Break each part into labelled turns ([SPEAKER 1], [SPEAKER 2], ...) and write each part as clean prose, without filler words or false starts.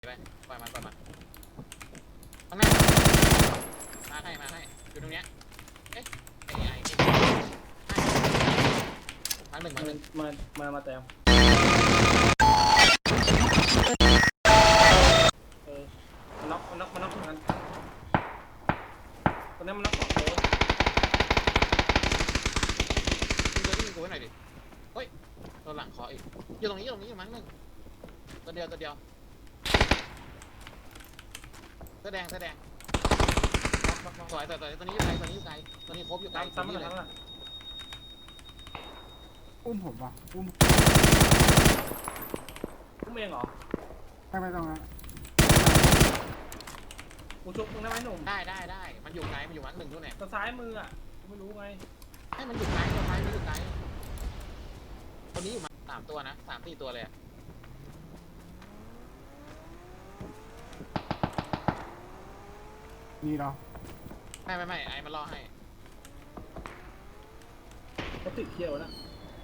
[SPEAKER 1] ไปปล่อยมันข้างหน้ามาให้อยู่ตรงเนี้ยเอ๊ะไอ้มาหนึ่ง
[SPEAKER 2] มาแต้มมันน็อกเหมือนกันตอนนี้มันน็อกสองตัว
[SPEAKER 1] ยิงกูไว้หน่อยดิเฮ้ยตัวหลังขออีกอยู่ตรงนี้อยู่มั้งหนึ่งตัวเดียวเสื้อแดงสวยตัวนี้อยู่ไกลตัวนี้ครบอยู่ไกล
[SPEAKER 2] ซ้ำมันเลย
[SPEAKER 3] อุ้มผมว่ะอุ้ม
[SPEAKER 2] เองเหรอ
[SPEAKER 3] ไม่ต้องนะ
[SPEAKER 2] กูชุบมึงได้ไหมหนุ่ม
[SPEAKER 1] ได้มันอยู่ไกลมันอยู่มั้งหนึ่งด้วยเนี่ย
[SPEAKER 2] ตัวซ้ายมืออ่ะไม่รู้ไง
[SPEAKER 1] ให้มันอยู่ไกลตัวซ้ายมันอยู่ไกลตัวนี้อยู่มา3 ตัวนะ3-4 ตัวเลย
[SPEAKER 3] นี่เหรอ
[SPEAKER 1] ไม่ไอ้มันรอให้
[SPEAKER 2] เขาติดเขี้ยวนะ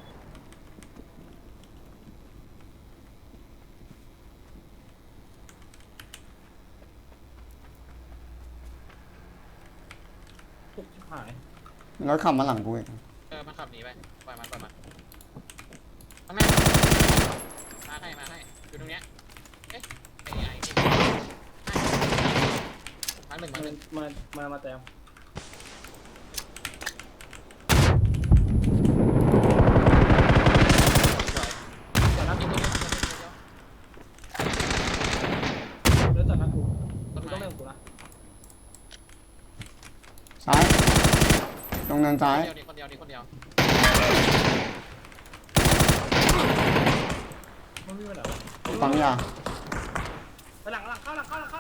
[SPEAKER 2] ตุกชิบหาย
[SPEAKER 4] แล้วขับมาหลังกูอีก
[SPEAKER 1] มันขับหนีไปปล่อยมันข้างหน้ามาให้อยู่ตรงเนี้ยเอ๊ะไอ้มาหนึ่ง
[SPEAKER 2] มาแต้มจัดนักกูเดี๋ยวจัดนักกูต้องเล่นกูนะ
[SPEAKER 4] ซ้ายตรงเนินซ้าย
[SPEAKER 1] คนเดียว
[SPEAKER 2] มันมีปัญหา
[SPEAKER 4] ปั๊มยา
[SPEAKER 2] ไปหลังเข้า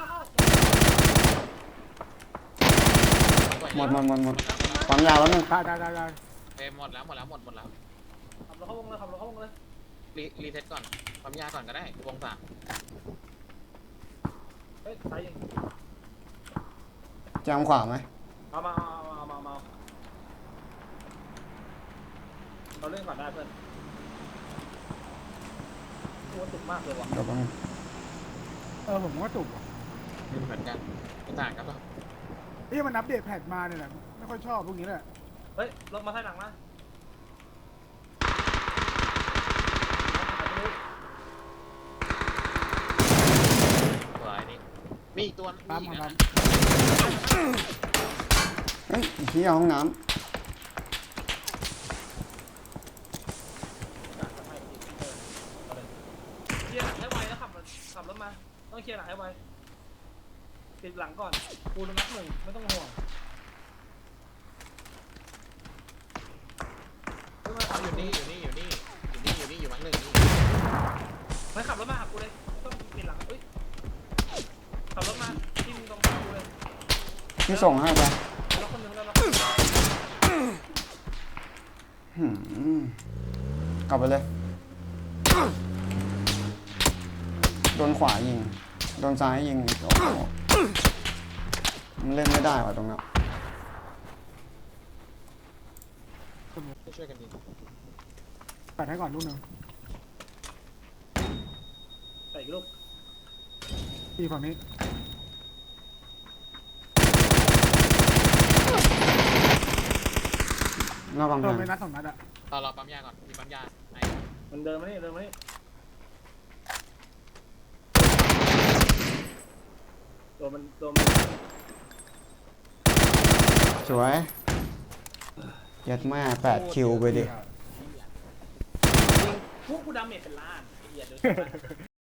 [SPEAKER 4] หมดปั๊มยาแล้วนึง
[SPEAKER 3] ได้
[SPEAKER 1] หมดแล้ว
[SPEAKER 2] ขับรถเข้าวงเลย
[SPEAKER 1] รีเซ็ตก่อนปั๊มยาก่อนก็ได้วง 3
[SPEAKER 2] เฮ้ยตายยิง
[SPEAKER 4] แจมขวาไหม
[SPEAKER 2] มาเราเล่นก่อนได้เพื่อนตัวตุกมากเลยว่ะ
[SPEAKER 4] เดี๋ยวแป๊บนึง
[SPEAKER 3] ผมก็ตุกว่ะ
[SPEAKER 1] เหมือนกันไม่ต่างกันหรอก
[SPEAKER 3] มันอัปเดตแพทมาเนี่ยแหละไม่ค่อยชอบพวกนี้แหละ
[SPEAKER 2] เฮ้ยรถมาท้ายหลังนะ
[SPEAKER 1] มีอีกตัว
[SPEAKER 3] ตาม
[SPEAKER 4] เฮ้ยที่ห้องน้
[SPEAKER 2] เคลียร์หลังให้ไวแล้วขับรถมาต้องเคลียร์หลังให้ไวติดหลังก่อนกูนับ 1ไม่ต้องห่วง
[SPEAKER 1] อยู่นี่อยู่มั้งหนึ่งนี่
[SPEAKER 2] ไม่ขับรถมาหากูเลยต้องติดหลังเอ้ยขับรถมาที่มึงตรงกูเลย
[SPEAKER 4] ำพี่ส่งให้ไป
[SPEAKER 2] แล้วคนนึงแล้ว
[SPEAKER 4] กลับไปเลยโดนขวายิงโดนซ้ายยิงโอ้โหมันเล่นไม่ได้ว่ะตรงนั้น
[SPEAKER 1] ช่วยกันดี
[SPEAKER 3] ปัดให้ก่อนลูกนึง
[SPEAKER 2] ใส่อีกลูก
[SPEAKER 3] พี่ฝั่งนี้
[SPEAKER 4] หน้าบัง
[SPEAKER 3] โดนไปนัด2 นัดอะ
[SPEAKER 1] รอปั๊มยาก่อนมีปั๊มยา
[SPEAKER 2] มันเดินมานี่ตัวมัน
[SPEAKER 4] สวยยัดแม่8 คิวไปดิ
[SPEAKER 2] พวกกูดาเมจเป็นล้านไอ้เหี้ยเดี๋ยว